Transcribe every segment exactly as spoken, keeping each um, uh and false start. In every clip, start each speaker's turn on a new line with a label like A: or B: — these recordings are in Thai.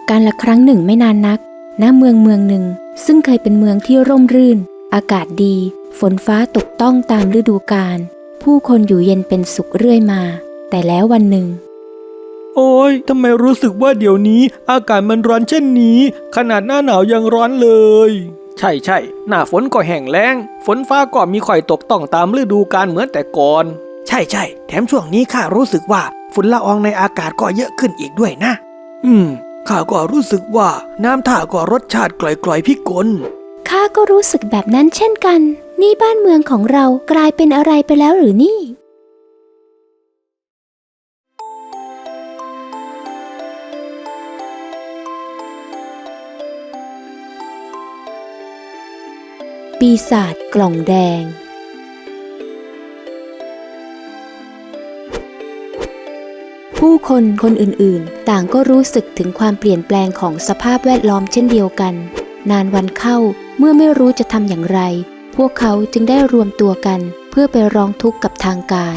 A: การละครั้งหนึ่งไม่นานนักณเมืองเมืองหนึ่งซึ่งเคยเป็นเมืองที่ร่มรื่นอากาศดีฝนฟ้าตกต้องตามฤดูกาลผู้คนอยู่เย็นเป็นสุขเรื่อยมาแต่แล้ววันหนึ่ง
B: โอ้ยทำไมรู้สึกว่าเดี๋ยวนี้อากาศมันร้อนเช่นนี้ขนาดหน้าหนาวยังร้อนเลยใช่ใช่หน้าฝนก็แห้งแล้งฝนฟ้าก็มีค่อยตกต้องตามฤดูกาลเหมือนแต่ก่อนใช่ใช่แถมช่วงนี้ข้ารู้สึกว่าฝุ่นละอองในอากาศก็เยอะขึ้นอีกด้วยนะอืมข้าก็รู้สึกว่าน้ำท่าก็รสชาติกล่อยๆพิกล
A: ข้าก็รู้สึกแบบนั้นเช่นกันนี่บ้านเมืองของเรากลายเป็นอะไรไปแล้วหรือนี่ปีศาจกล่องแดงผู้คนคนอื่นๆต่างก็รู้สึกถึงความเปลี่ยนแปลงของสภาพแวดล้อมเช่นเดียวกันนานวันเข้าเมื่อไม่รู้จะทำอย่างไรพวกเขาจึงได้รวมตัวกันเพื่อไปร้องทุกข์กับทางการ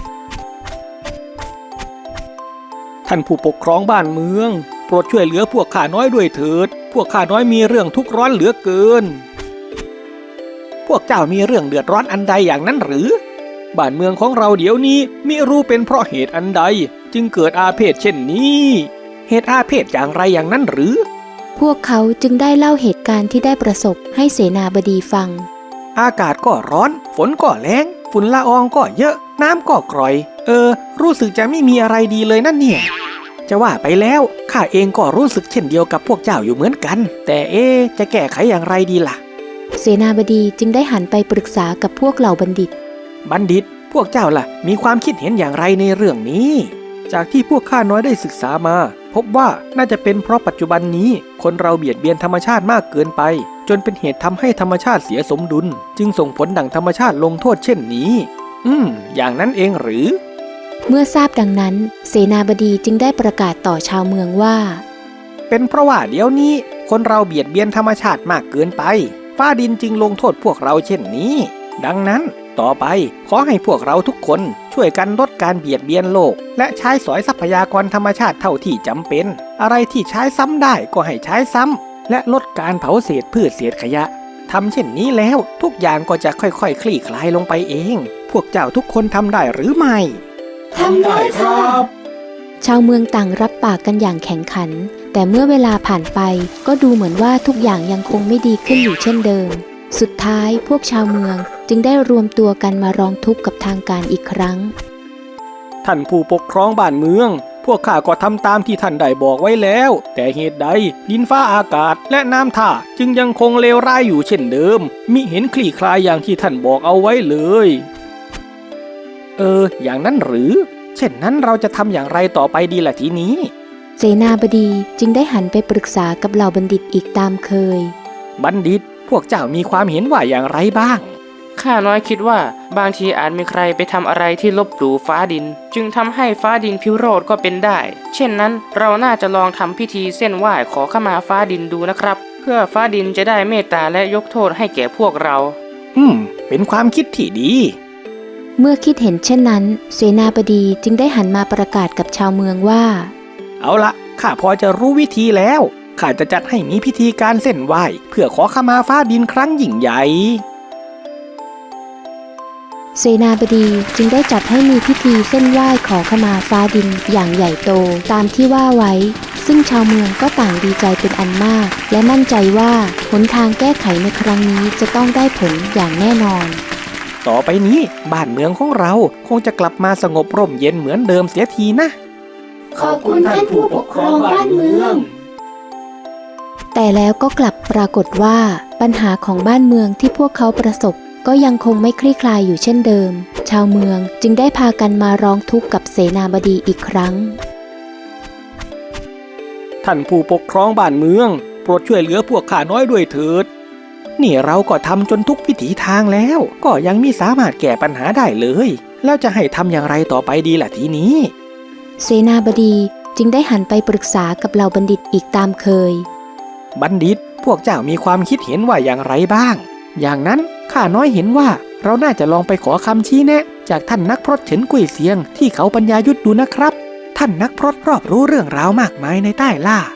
B: ท่านผู้ปกครองบ้านเมืองโปรดช่วยเหลือพวกข้าน้อยด้วยเถิดพวกข้าน้อยมีเรื่องทุกข์ร้อนเหลือเกินพวกเจ้ามีเรื่องเดือดร้อนอันใดอย่างนั้นหรือบ้านเมืองของเราเดี๋ยวนี้มิรู้เป็นเพราะเหตุอันใดจึงเกิดอาเพศเช่นนี้เหตุอาเพศอย่างไรอย่างนั้นหรือ
A: พวกเขาจึงได้เล่าเหตุการณ์ที่ได้ประสบให้เสนาบดีฟัง
B: อากาศก็ร้อนฝนก็แล้งฝุ่นละอองก็เยอะน้ำก็กร่อยเออรู้สึกจะไม่มีอะไรดีเลยนั่นเนี่ยจะว่าไปแล้วข้าเองก็รู้สึกเช่นเดียวกับพวกเจ้าอยู่เหมือนกันแต่เอ๊ะจะแก้ไขอย่างไรดีล่ะ
A: เสนาบดีจึงได้หันไปปรึกษากับพวกเหล่าบัณฑิต
B: บัณฑิตพวกเจ้าล่ะมีความคิดเห็นอย่างไรในเรื่องนี้จากที่พวกข้าน้อยได้ศึกษามาพบว่าน่าจะเป็นเพราะปัจจุบันนี้คนเราเบียดเบียนธรรมชาติมากเกินไปจนเป็นเหตุทำให้ธรรมชาติเสียสมดุลจึงส่งผลดั่งธรรมชาติลงโทษเช่นนี้อืมอย่างนั้นเองหรือ
A: เมื่อทราบดังนั้นเสนาบดีจึงได้ประกาศต่อชาวเมืองว่า
B: เป็นเพราะว่าเดี๋ยวนี้คนเราเบียดเบียนธรรมชาติมากเกินไปฟ้าดินจึงลงโทษพวกเราเช่นนี้ดังนั้นต่อไปขอให้พวกเราทุกคนช่วยกันลดการเบียดเบียนโลกและใช้สอยทรัพยากรธรรมชาติเท่าที่จำเป็นอะไรที่ใช้ซ้ำได้ก็ให้ใช้ซ้ำและลดการเผาเศษพืชเศษขยะทำเช่นนี้แล้วทุกอย่างก็จะค่อยๆ คลี่คลายลงไปเองพวกเจ้าทุกคนทำได้หรือไม่
C: ทำได้ครับ
A: ชาวเมืองต่างรับปากกันอย่างแข็งขันแต่เมื่อเวลาผ่านไปก็ดูเหมือนว่าทุกอย่างยังคงไม่ดีขึ้นอยู่เช่นเดิมสุดท้ายพวกชาวเมืองจึงได้รวมตัวกันมาร้องทุกข์กับทางการอีกครั้ง
B: ท่านผู้ปกครองบ้านเมืองพวกข้าก็ทำตามที่ท่านได้บอกไว้แล้วแต่เหตุใดดินฟ้าอากาศและน้ำท่าจึงยังคงเลวร้ายอยู่เช่นเดิมมิเห็นคลี่คลายอย่างที่ท่านบอกเอาไว้เลยเอออย่างนั้นหรือเช่นนั้นเราจะทำอย่างไรต่อไปดีล่ะทีนี้
A: เสนาบดีจึงได้หันไปปรึกษากับเหล่าบัณฑิตอีกตามเคย
B: บัณฑิตพวกเจ้ามีความเห็นว่าอย่างไรบ้าง
D: ข้าน้อยคิดว่าบางทีอาจมีใครไปทำอะไรที่ลบหลู่ฟ้าดินจึงทำให้ฟ้าดินพิโรธก็เป็นได้เช่นนั้นเราน่าจะลองทำพิธีเส้นไหว้ขอขมาฟ้าดินดูนะครับเพื่อฟ้าดินจะได้เมตตาและยกโทษให้แก่พวกเรา
B: อืมเป็นความคิดที่ดี
A: เมื่อคิดเห็นเช่นนั้นเสนาบดีจึงได้หันมาประกาศกับชาวเมืองว่า
B: เอาละข้าพอจะรู้วิธีแล้วข้าจะจัดให้มีพิธีการเส้นไหว้เพื่อขอขมาฟ้าดินครั้งยิ่งใหญ่
A: เสนาบดีจึงได้จัดให้มีพิธีเส้นไหว้ขอขมาฟ้าดินอย่างใหญ่โตตามที่ว่าไว้ซึ่งชาวเมืองก็ต่างดีใจเป็นอันมากและมั่นใจว่าหนทางแก้ไขในครั้งนี้จะต้องได้ผลอย่างแน่นอน
B: ต่อไปนี้บ้านเมืองของเราคงจะกลับมาสงบร่มเย็นเหมือนเดิมเสียทีนะ
C: ขอบคุณท่านผู้ปกครองบ้านเมือง
A: แต่แล้วก็กลับปรากฏว่าปัญหาของบ้านเมืองที่พวกเขาประสบก็ยังคงไม่คลี่คลายอยู่เช่นเดิมชาวเมืองจึงได้พากันมาร้องทุกข์กับเสนาบดีอีกครั้ง
B: ท่านผู้ปกครองบ้านเมืองโปรดช่วยเหลือพวกข้าน้อยด้วยเถิดนี่เราก็ทำจนทุกวิถีทางแล้วก็ยังมิสามารถแก้ปัญหาได้เลยแล้วจะให้ทำอย่างไรต่อไปดีล่ะทีนี้
A: เสนาบดีจึงได้หันไปปรึกษากับเหล่าบัณฑิตอีกตามเคย
B: บัณฑิตพวกเจ้ามีความคิดเห็นว่าอย่างไรบ้างอย่างนั้นข้าน้อยเห็นว่าเราน่าจะลองไปขอคำชี้แนะจากท่านนักพรตเฉินกุ้ยเซียงที่เขาปัญญายุทธดูนะครับท่านนักพรตรอบรู้เรื่องราวมากมายในใต้ล่า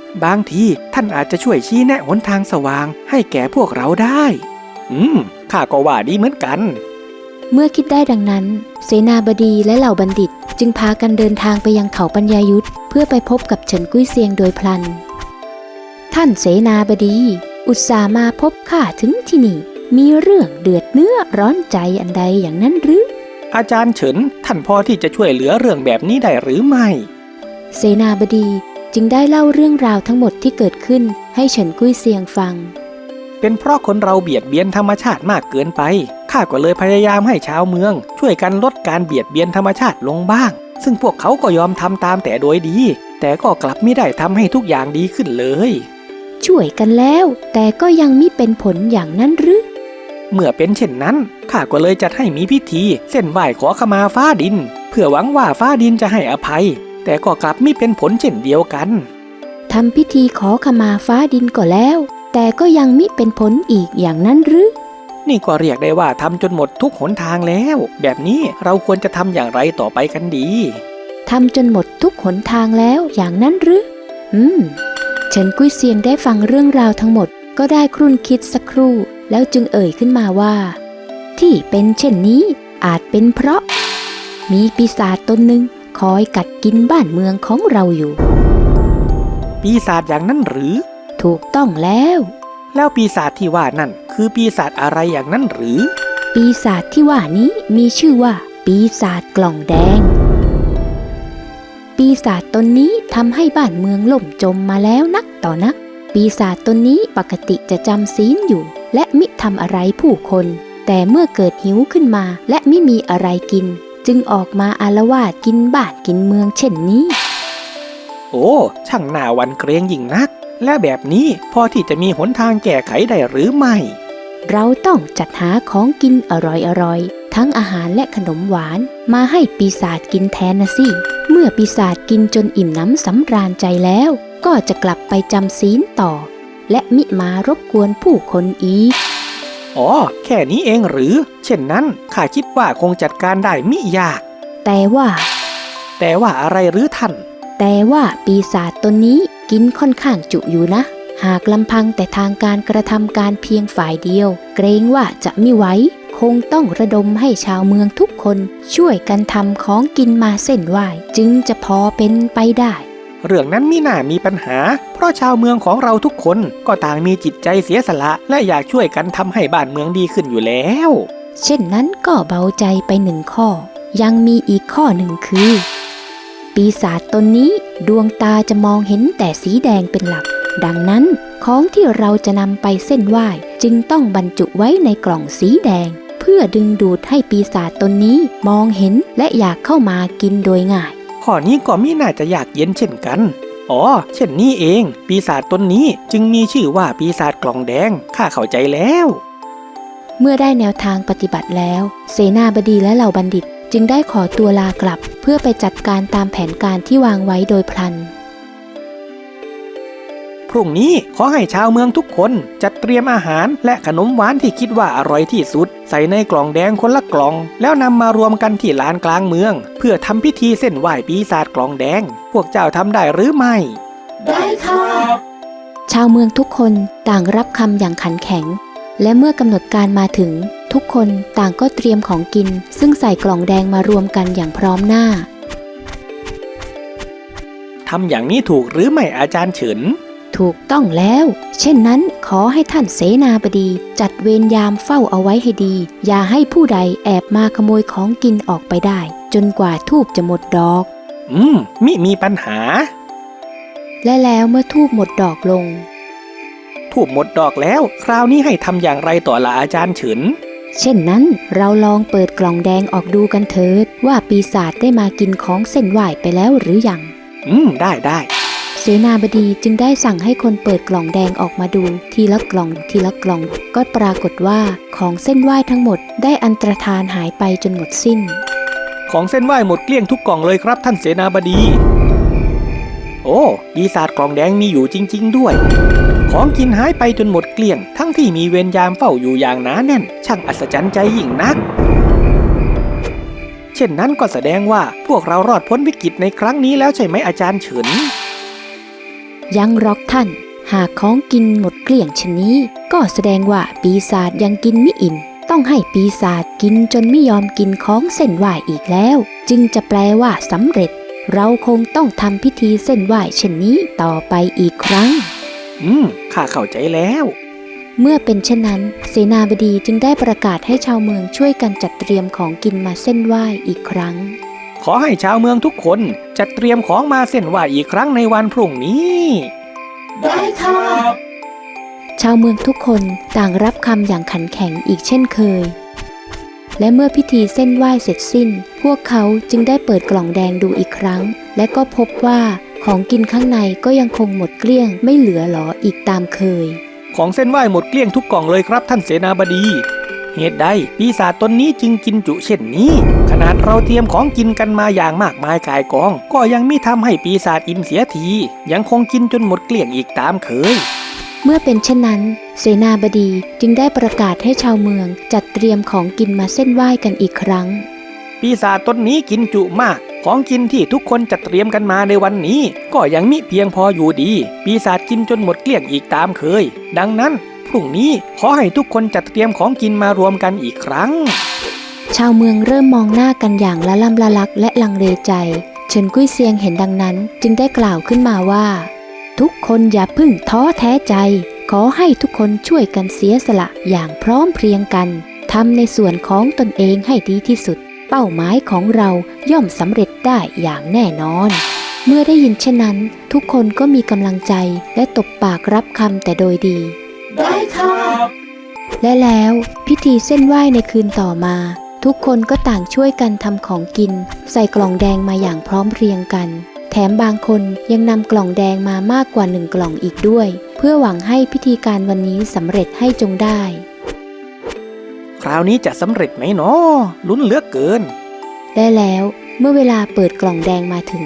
B: บางทีท่านอาจจะช่วยชี้แนะหนทางสว่างให้แก่พวกเราได้อืมข้าก็ว่าดีเหมือนกัน
A: เมื่อคิดได้ดังนั้นเสนาบดีและเหล่าบัณฑิตจึงพากันเดินทางไปยังเขาปัญญายุทธเพื่อไปพบกับเฉินกุ้ยเซียงโดยพลันท่านเสนาบดีอุตส่าห์มาพบข้าถึงที่นี่มีเรื่องเดือดเนื้อร้อนใจอันใดอย่างนั้นหรือ
B: อาจารย์เฉินท่านพอที่จะช่วยเหลือเรื่องแบบนี้ได้หรือไม่
A: เสนาบดีจึงได้เล่าเรื่องราวทั้งหมดที่เกิดขึ้นให้เฉินกุ้ยเซียงฟัง
B: เป็นเพราะคนเราเบียดเบียนธรรมชาติมากเกินไปข้าก็เลยพยายามให้ชาวเมืองช่วยกันลดการเบียดเบียนธรรมชาติลงบ้างซึ่งพวกเขาก็ยอมทำตามแต่โดยดีแต่ก็กลับไม่ได้ทำให้ทุกอย่างดีขึ้นเลย
A: ช่วยกันแล้วแต่ก็ยังมิเป็นผลอย่างนั้นหรือ
B: เมื่อเป็นเช่นนั้นข้าก็เลยจัดให้มีพิธีเส้นไหว้ขอขมาฟ้าดินเพื่อหวังว่าฟ้าดินจะให้อภัยแต่ก็กลับไม่เป็นผลเช่นเดียวกัน
A: ทำพิธีขอขมาฟ้าดินก็แล้วแต่ก็ยังมิเป็นผลอีกอย่างนั้นหรือ
B: นี่ก็เรียกได้ว่าทำจนหมดทุกหนทางแล้วแบบนี้เราควรจะทำอย่างไรต่อไปกันดี
A: ทำจนหมดทุกหนทางแล้วอย่างนั้นหรืออืมเฉินกุ้ยเซียงได้ฟังเรื่องราวทั้งหมดก็ได้ครุ่นคิดสักครู่แล้วจึงเอ่ยขึ้นมาว่าที่เป็นเช่นนี้อาจเป็นเพราะมีปีศาจตนหนึ่งคอยกัดกินบ้านเมืองของเราอยู่
B: ปีศาจอย่างนั้นหรือ
A: ถูกต้องแล้ว
B: แล้วปีศาจที่ว่านั่นคือปีศาจอะไรอย่างนั้นหรือ
A: ปีศาจที่ว่านี้มีชื่อว่าปีศาจกล่องแดงปีศาจตนนี้ทำให้บ้านเมืองล่มจมมาแล้วนักต่อนักปีศาจตนนี้ปกติจะจำศีลอยู่และมิทำอะไรผู้คนแต่เมื่อเกิดหิวขึ้นมาและไม่มีอะไรกินจึงออกมาอาละวาดกินบ้านกินเมืองเช่นนี้
B: โอ้ช่างน่าหวั่นเกรงยิ่งนักและแบบนี้พอที่จะมีหนทางแก้ไขได้หรือไม่
A: เราต้องจัดหาของกินอร่อยๆทั้งอาหารและขนมหวานมาให้ปีศาจกินแทนนะสิเมื่อปีศาจกินจนอิ่มน้ำสำราญใจแล้วก็จะกลับไปจำศีลต่อและมิมารบกวนผู้คนอีก
B: อ๋อแค่นี้เองหรือเช่นนั้นข้าคิดว่าคงจัดการได้มิยาก
A: แต่ว่า
B: แต่ว่าอะไรหรือท่าน
A: แต่ว่าปีศาจตนนี้กินค่อนข้างจุอยู่นะหากลำพังแต่ทางการกระทำการเพียงฝ่ายเดียวเกรงว่าจะไม่ไหวคงต้องระดมให้ชาวเมืองทุกคนช่วยกันทำของกินมาเส้นไหว้จึงจะพอเป็นไปได้
B: เรื่องนั้นมิน่ามีปัญหาเพราะชาวเมืองของเราทุกคนก็ต่างมีจิตใจเสียสละและอยากช่วยกันทำให้บ้านเมืองดีขึ้นอยู่แล้ว
A: เช่นนั้นก็เบาใจไปหนึ่งข้อยังมีอีกข้อหนึ่งคือปีศาจตนนี้ดวงตาจะมองเห็นแต่สีแดงเป็นหลักดังนั้นของที่เราจะนำไปเส้นไหว้จึงต้องบรรจุไว้ในกล่องสีแดงเพื่อดึงดูดให้ปีศาจตนนี้มองเห็นและอยากเข้ามากินโดยง่าย
B: ข้อนี้ก็มิน่าจะยากเย็นเช่นกันอ๋อเช่นนี้เองปีศาจตนนี้จึงมีชื่อว่าปีศาจกล่องแดงข้าเข้าใจแล้ว
A: เมื่อได้แนวทางปฏิบัติแล้วเสนาบดีและเหล่าบัณฑิตจึงได้ขอตัวลากลับเพื่อไปจัดการตามแผนการที่วางไว้โดยพลัน
B: พรุ่งนี้ขอให้ชาวเมืองทุกคนจัดเตรียมอาหารและขนมหวานที่คิดว่าอร่อยที่สุดใส่ในกล่องแดงคนละกล่องแล้วนำมารวมกันที่ลานกลางเมืองเพื่อทำพิธีเส้นไหว้ปีศาจกล่องแดงพวกเจ้าทำได้หรือไม่
C: ได้ค่ะ
A: ชาวเมืองทุกคนต่างรับคำอย่างขันแข็งและเมื่อกำหนดการมาถึงทุกคนต่างก็เตรียมของกินซึ่งใส่กล่องแดงมารวมกันอย่างพร้อมหน้า
B: ทำอย่างนี้ถูกหรือไม่อาจารย์เฉิน
A: ถูกต้องแล้วเช่นนั้นขอให้ท่านเสนาบดีจัดเวรยามเฝ้าเอาไว้ให้ดีอย่าให้ผู้ใดแอบมาขโมยของกินออกไปได้จนกว่าธูปจะหมดดอก
B: อืมมิมีปัญหา
A: และแล้วเมื่อธูปหมดดอกลง
B: ธูปหมดดอกแล้วคราวนี้ให้ทำอย่างไรต่อละอาจารย์เฉิน
A: เช่นนั้นเราลองเปิดกล่องแดงออกดูกันเถิดว่าปีศาจได้มากินของเส้นไหว้ไปแล้วหรือยัง
B: อืมได้ได้
A: เสนาบดีจึงได้สั่งให้คนเปิดกล่องแดงออกมาดูทีละกล่องทีละกล่องก็ปรากฏว่าของเส้นไหว้ทั้งหมดได้อันตรธานหายไปจนหมดสิ้น
B: ของเส้นไหว้หมดเกลี้ยงทุกกล่องเลยครับท่านเสนาบดีโอ้ปีศาจกล่องแดงมีอยู่จริงๆด้วยของกินหายไปจนหมดเกลี้ยงทั้งที่มีเวรยามเฝ้าอยู่อย่างหนาแน่นช่างอัศจรรย์ใจยิ่งนักเช่นนั้นก็แสดงว่าพวกเรารอดพ้นวิกฤตในครั้งนี้แล้วใช่ไหมอาจารย์เฉิน
A: ยังหรอกท่านหากของกินหมดเกลี้ยงชนนี้ก็แสดงว่าปีศาจยังกินไม่อิ่มต้องให้ปีศาจกินจนไม่ยอมกินของเส้นไหว้อีกแล้วจึงจะแปลว่าสำเร็จเราคงต้องทำพิธีเส้นไหว้เช่นนี้ต่อไปอีกครั้ง
B: อืมข้าเข้าใจแล้ว
A: เมื่อเป็นเช่นนั้นเสนาบดีจึงได้ประกาศให้ชาวเมืองช่วยกันจัดเตรียมของกินมาเส้นไหว้อีกครั้ง
B: ขอให้ชาวเมืองทุกคนจัดเตรียมของมาเส้นไหว้อีกครั้งในวันพรุ่งนี้
C: ได้ค่ะ
A: ชาวเมืองทุกคนต่างรับคำอย่างขันแข็งอีกเช่นเคยและเมื่อพิธีเส้นไหว้เสร็จสิ้นพวกเขาจึงได้เปิดกล่องแดงดูอีกครั้งและก็พบว่าของกินข้างในก็ยังคงหมดเกลี้ยงไม่เหลือหรออีกตามเคย
B: ของเส้นไหว้หมดเกลี้ยงทุกกล่องเลยครับท่านเสนาบดีเหตุใดปีศาจตนนี้จึงกินจุเช่นนี้ขนาดเราเตรียมของกินกันมาอย่างมากมายกายกองก็ยังมิทำให้ปีศาจอิ่มเสียทียังคงกินจนหมดเกลี้ยงอีกตามเคย
A: เมื่อเป็นเช่นนั้นเสนาบดีจึงได้ประกาศให้ชาวเมืองจัดเตรียมของกินมาเส้นไหว้กันอีกครั้ง
B: ปีศาจตนนี้กินจุมากของกินที่ทุกคนจัดเตรียมกันมาในวันนี้ก็ยังมิเพียงพออยู่ดีปีศาจกินจนหมดเกลี้ยงอีกตามเคยดังนั้นพรุ่งนี้ขอให้ทุกคนจัดเตรียมของกินมารวมกันอีกครั้ง
A: ชาวเมืองเริ่มมองหน้ากันอย่างละล่ำละลักและลังเลใจเฉินกุ้ยเซียงเห็นดังนั้นจึงได้กล่าวขึ้นมาว่าทุกคนอย่าพึ่งท้อแท้ใจขอให้ทุกคนช่วยกันเสียสละอย่างพร้อมเพรียงกันทำในส่วนของตนเองให้ดีที่สุดเป้าหมายของเราย่อมสำเร็จได้อย่างแน่นอนเมื่อได้ยินเช่นนั้นทุกคนก็มีกำลังใจและตบปากรับคำแต่โดยดี
C: ได้ค่ะ
A: และแล้วพิธีเส้นไหว้ในคืนต่อมาทุกคนก็ต่างช่วยกันทำของกินใส่กล่องแดงมาอย่างพร้อมเพรียงกันแถมบางคนยังนำกล่องแดงมามากกว่าหนึ่งกล่องอีกด้วยเพื่อหวังให้พิธีการวันนี้สำเร็จให้จงได้
B: คราวนี้จะสำเร็จไหมเนาะลุ้นเหลือเกิน
A: และแล้วเมื่อเวลาเปิดกล่องแดงมาถึง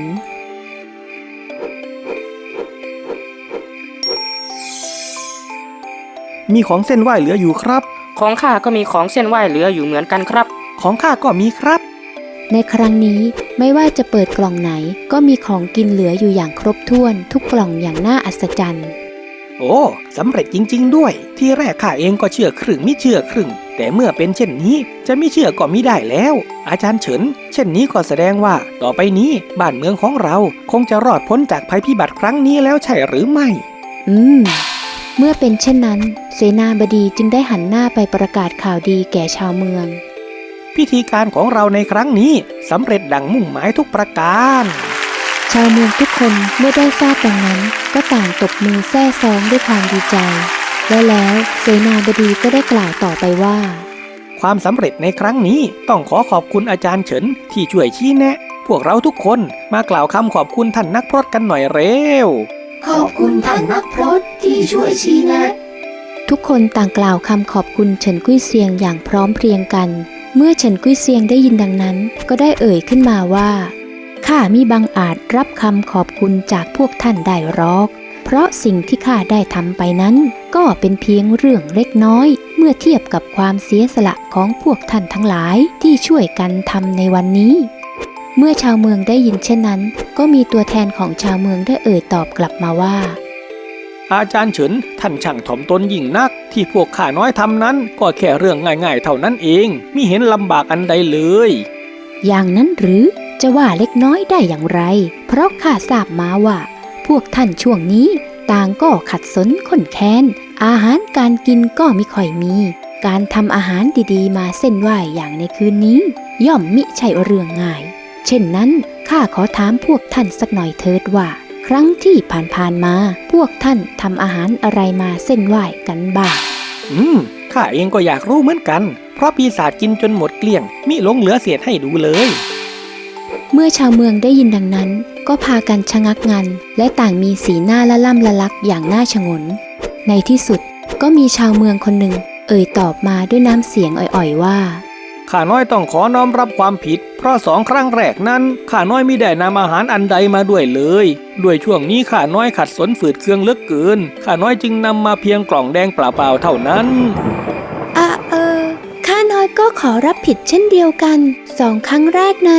B: มีของเส้นไหว้เหลืออยู่ครับ
D: ของข้าก็มีของเส้นไหว้เหลืออยู่เหมือนกันครับ
B: ของข้าก็มีครับ
A: ในครั้งนี้ไม่ว่าจะเปิดกล่องไหนก็มีของกินเหลืออยู่อย่างครบถ้วนทุกกล่องอย่างน่าอัศจรรย์
B: โอ้สำเร็จจริงๆด้วยที่แรกข้าเองก็เชื่อครึ่งไม่เชื่อครึ่งแต่เมื่อเป็นเช่นนี้จะไม่เชื่อก็มิได้แล้วอาจารย์เฉินเช่นนี้ก็แสดงว่าต่อไปนี้บ้านเมืองของเราคงจะรอดพ้นจากภัยพิบัติครั้งนี้แล้วใช่หรือไม่
A: อืมเมื่อเป็นเช่นนั้นเสนาบดีจึงได้หันหน้าไปประกาศข่าวดีแก่ชาวเมือง
B: พิธีการของเราในครั้งนี้สำเร็จดังมุ่งหมายทุกประการ
A: ชาวเมืองทุกคนเมื่อได้ทราบดังนั้นก็ต่างตบมือแซ่ซ้องด้วยความดีใจและแล้วเสนาบดีก็ได้กล่าวต่อไปว่า
B: ความสำเร็จในครั้งนี้ต้องขอขอบคุณอาจารย์เฉินที่ช่วยชี้แนะพวกเราทุกคนมากล่าวคำขอบคุณท่านนักพรตกันหน่อยเร็ว
C: ขอบคุณท่านนักพรตที่ช่วยชี้แนะ
A: ทุกคนต่างกล่าวคำขอบคุณเฉินกุ้ยเซียงอย่างพร้อมเพรียงกันเมื่อเฉินกุ้ยเซียงได้ยินดังนั้นก็ได้เอ่ยขึ้นมาว่าข้ามิบังอาจรับคำขอบคุณจากพวกท่านได้หรอกเพราะสิ่งที่ข้าได้ทำไปนั้นก็เป็นเพียงเรื่องเล็กน้อยเมื่อเทียบกับความเสียสละของพวกท่านทั้งหลายที่ช่วยกันทำในวันนี้เมื่อชาวเมืองได้ยินเช่นนั้นก็มีตัวแทนของชาวเมืองได้เอ่ยตอบกลับมาว่า
B: อาจารย์เฉินท่านช่างถ่อมตนยิ่งนักที่พวกข้าน้อยทำนั้นก็แค่เรื่องง่ายๆเท่านั้นเองมิเห็นลำบากอันใดเลย
A: อย่างนั้นหรือจะว่าเล็กน้อยได้อย่างไรเพราะข้าทราบมาว่าพวกท่านช่วงนี้ต่างก็ขัดสนข้นแค้นอาหารการกินก็มิค่อยมีการทำอาหารดีๆมาเส้นไหว้อย่างในคืนนี้ย่อมมิใช่เรื่องง่ายเช่นนั้นข้าขอถามพวกท่านสักหน่อยเถิดว่าครั้งที่ผ่านๆมาพวกท่านทำอาหารอะไรมาเส้นไหว้กันบ้าง
B: อืมข้าเองก็อยากรู้เหมือนกันเพราะปีศาจกินจนหมดเกลี้ยงมิหลงเหลือเศษให้ดูเลย
A: เมื่อชาวเมืองได้ยินดังนั้นก็พากันชะงักงันและต่างมีสีหน้าละล่ำละลักอย่างน่าชงนในที่สุดก็มีชาวเมืองคนหนึ่งเอ่ยตอบมาด้วยน้ำเสียงอ่อยๆว่า
B: ข้าน้อยต้องขอน้อมรับความผิดเพราะสองครั้งแรกนั้นข้าน้อยมิได้นำอาหารอันใดมาด้วยเลยด้วยช่วงนี้ข้าน้อยขัดสนฝืดเคืองเหลือเกินข้าน้อยจึงนำมาเพียงกล่องแดงเปล่าๆเท่านั้น
A: อ่ะเออข้าน้อยก็ขอรับผิดเช่นเดียวกันสองครั้งแรกนั้นข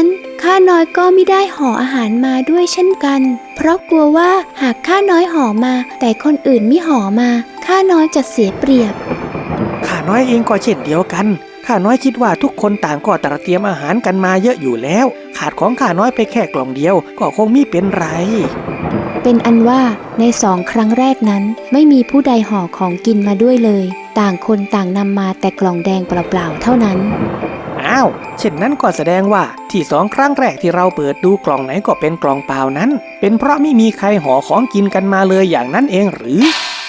A: ข้าน้อยก็ไม่ได้ห่ออาหารมาด้วยเช่นกันเพราะกลัวว่าหากข้าน้อยห่อมาแต่คนอื่นไม่ห่อมาข้าน้อยจะเสียเปรียบ
B: ข้าน้อยเองก็เช่นเดียวกันข้าน้อยคิดว่าทุกคนต่างก็ตระเตรียมอาหารกันมาเยอะอยู่แล้วขาดของข้าน้อยไปแค่กล่องเดียวก็คงไม่เป็นไร
A: เป็นอันว่าในสองครั้งแรกนั้นไม่มีผู้ใดห่อของกินมาด้วยเลยต่างคนต่างนำมาแต่กล่องแดงเปล่าๆเท่านั้น
B: อ้าวเช่นนั้นก็แสดงว่าที่สองครั้งแรกที่เราเปิดดูกล่องไหนก็เป็นกล่องเปล่านั้นเป็นเพราะไม่มีใครห่อของกินกันมาเลยอย่างนั้นเองหรือ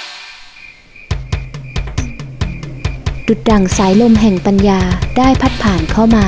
A: ดุจดั่งสายลมแห่งปัญญาได้พัดผ่านเข้ามา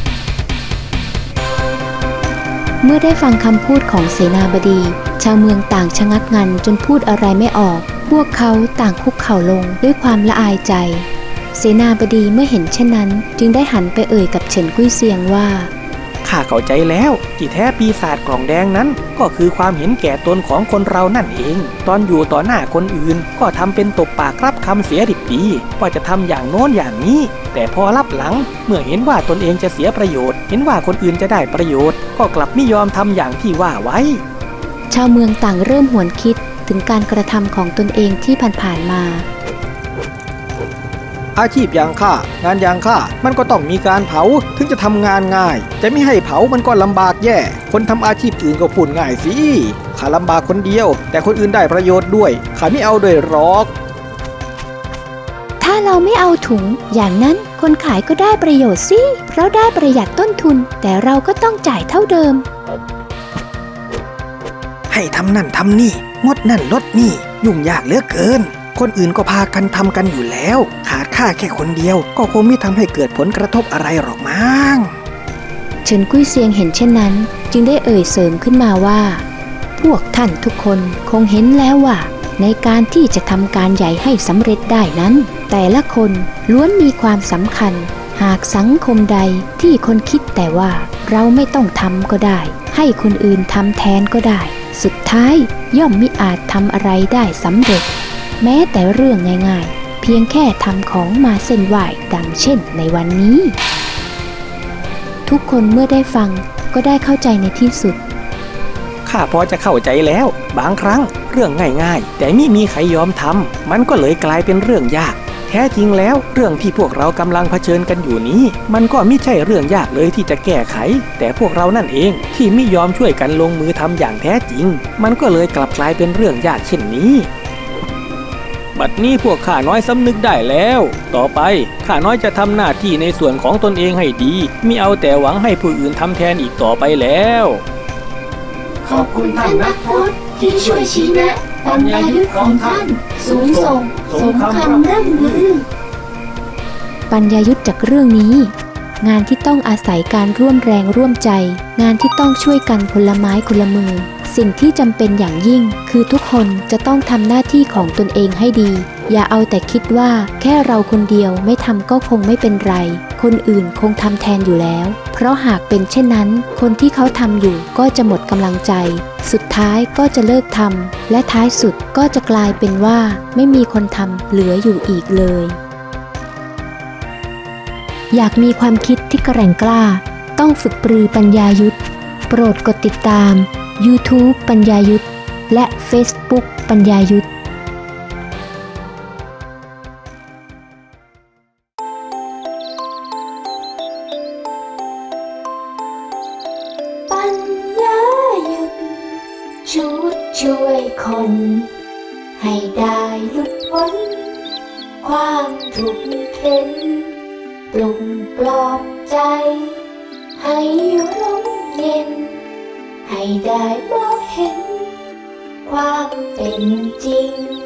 A: เมื่อได้ฟังคำพูดของเสนาบดีชาวเมืองต่างชะงักงันจนพูดอะไรไม่ออกพวกเขาต่างคุกเข่าลงด้วยความละอายใจเสนาบดีเมื่อเห็นเช่นนั้นจึงได้หันไปเอ่ยกับเฉินกุ้ยเซียงว่า
B: ข้าเข้าใจแล้วที่แท้ปีศาจกล่องแดงนั้นก็คือความเห็นแก่ตนของคนเรานั่นเองตอนอยู่ต่อหน้าคนอื่นก็ทำเป็นตบปากรับคำเสียดิบดีว่าจะทำอย่างโน้นอย่างนี้แต่พอรับหลังเมื่อเห็นว่าตนเองจะเสียประโยชน์เห็นว่าคนอื่นจะได้ประโยชน์ก็กลับไม่ยอมทำอย่างที่ว่าไว้
A: ชาวเมืองต่างเริ่มหวนคิดถึงการกระทำของตนเองที่ผ่านๆมา
B: อาชีพอย่างข้างานอย่างข้ามันก็ต้องมีการเผาถึงจะทำงานง่ายจะไม่ให้เผามันก็ลำบากแย่คนทำอาชีพอื่นก็พูดง่ายสิข้าลำบากคนเดียวแต่คนอื่นได้ประโยชน์ด้วยข้าไม่เอาด้วยหรอก
A: ถ้าเราไม่เอาถุงอย่างนั้นคนขายก็ได้ประโยชน์สิเพราะได้ประหยัดต้นทุนแต่เราก็ต้องจ่ายเท่าเดิม
B: ให้ทำนั่นทำนี่งดนั่นลดนี่ยุ่งยากเหลือเกินคนอื่นก็พากันทำกันอยู่แล้วขาดข้าแค่คนเดียวก็คงไม่ทำให้เกิดผลกระทบอะไรหรอกมั้ง
A: เฉินกุ้ยเซียงเห็นเช่นนั้นจึงได้เอ่ยเสริมขึ้นมาว่าพวกท่านทุกคนคงเห็นแล้วว่าในการที่จะทำการใหญ่ให้สำเร็จได้นั้นแต่ละคนล้วนมีความสำคัญหากสังคมใดที่คนคิดแต่ว่าเราไม่ต้องทำก็ได้ให้คนอื่นทำแทนก็ได้สุดท้ายย่อมมิอาจทำอะไรได้สำเร็จแม้แต่เรื่องง่ายๆเพียงแค่ทำของมาเส้นไหว้ดังเช่นในวันนี้ทุกคนเมื่อได้ฟังก็ได้เข้าใจในที่สุด
B: ข้าพอจะเข้าใจแล้วบางครั้งเรื่องง่ายๆแต่ไม่มีใครยอมทำมันก็เลยกลายเป็นเรื่องยากแท้จริงแล้วเรื่องที่พวกเรากำลังเผชิญกันอยู่นี้มันก็ไม่ใช่เรื่องยากเลยที่จะแก้ไขแต่พวกเรานั่นเองที่ไม่ยอมช่วยกันลงมือทำอย่างแท้จริงมันก็เลยกลับกลายเป็นเรื่องยากเช่นนี้บัดนี้พวกข้าน้อยสำนึกได้แล้วต่อไปข้าน้อยจะทำหน้าที่ในส่วนของตนเองให้ดีมิเอาแต่หวังให้ผู้อื่นทำแทนอีกต่อไปแล้ว
C: ขอบคุณท่านนักพจน์ที่ช่วยชี้แนะปัญญายุทธของท่านสูงส่งสมคำร่ำลือ
A: ปัญญายุทธจากเรื่องนี้งานที่ต้องอาศัยการร่วมแรงร่วมใจงานที่ต้องช่วยกันคนละไม้คนละมือสิ่งที่จำเป็นอย่างยิ่งคือทุกคนจะต้องทำหน้าที่ของตนเองให้ดีอย่าเอาแต่คิดว่าแค่เราคนเดียวไม่ทำก็คงไม่เป็นไรคนอื่นคงทำแทนอยู่แล้วเพราะหากเป็นเช่นนั้นคนที่เขาทำอยู่ก็จะหมดกำลังใจสุดท้ายก็จะเลิกทำและท้ายสุดก็จะกลายเป็นว่าไม่มีคนทำเหลืออยู่อีกเลยอยากมีความคิดที่แกร่งกล้าต้องฝึกปรือปัญญายุทธโปรดกดติดตาม YouTube ปัญญายุทธและ Facebook ปัญญายุทธ
C: ปัญญายุทธชุดช่วยคนให้ได้หลุดพ้นความทุกข์เข็นปลุกปลอบใจให้ร่มเย็นให้ได้มองเห็นความเป็นจริง